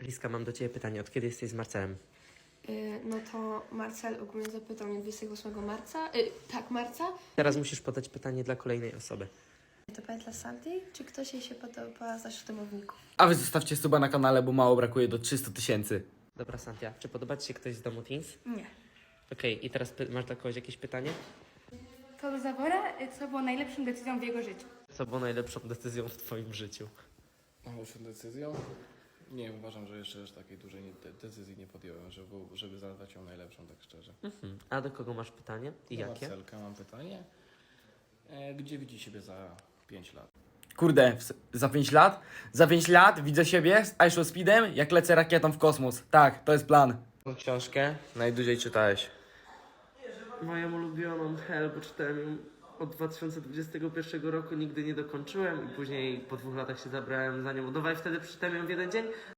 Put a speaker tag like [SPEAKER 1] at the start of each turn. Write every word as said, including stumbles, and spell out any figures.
[SPEAKER 1] Liska, mam do ciebie pytanie. Od kiedy jesteś z Marcelem?
[SPEAKER 2] Yy, no to Marcel ogólnie zapytał mnie dwudziestego ósmego marca. Yy, tak, marca.
[SPEAKER 1] Teraz musisz podać pytanie dla kolejnej osoby.
[SPEAKER 2] To pytanie dla Sandy, czy ktoś jej się podoba z naszych domowników?
[SPEAKER 3] A wy zostawcie suba na kanale, bo mało brakuje do trzystu tysięcy.
[SPEAKER 1] Dobra, Santia, czy podoba ci się ktoś z domu Teens?
[SPEAKER 4] Nie.
[SPEAKER 1] Okej, i teraz py- masz dla kogoś jakieś pytanie?
[SPEAKER 4] Co do Zawora, co było najlepszą decyzją w jego życiu?
[SPEAKER 1] Co było najlepszą decyzją w twoim życiu?
[SPEAKER 5] Najlepszą decyzją? Nie, uważam, że jeszcze aż takiej dużej nie, de- decyzji nie podjąłem, żeby, żeby zadać ją najlepszą, tak szczerze.
[SPEAKER 1] Mhm. A do kogo masz pytanie i
[SPEAKER 5] Do
[SPEAKER 1] jakie?
[SPEAKER 5] Marcelka mam pytanie. E, gdzie widzi siebie za pięć lat?
[SPEAKER 3] Kurde, w- za pięć lat? Za pięć lat widzę siebie z Aisho Speedem, jak lecę rakietą w kosmos. Tak, to jest plan.
[SPEAKER 5] Tą książkę najdłużej czytałeś?
[SPEAKER 1] Moją ulubioną Hell, bo czytałem ją od dwa tysiące dwudziestego pierwszego roku, nigdy nie dokończyłem i później po dwóch latach się zabrałem za nią od nowa i wtedy przeczytałem ją w jeden dzień.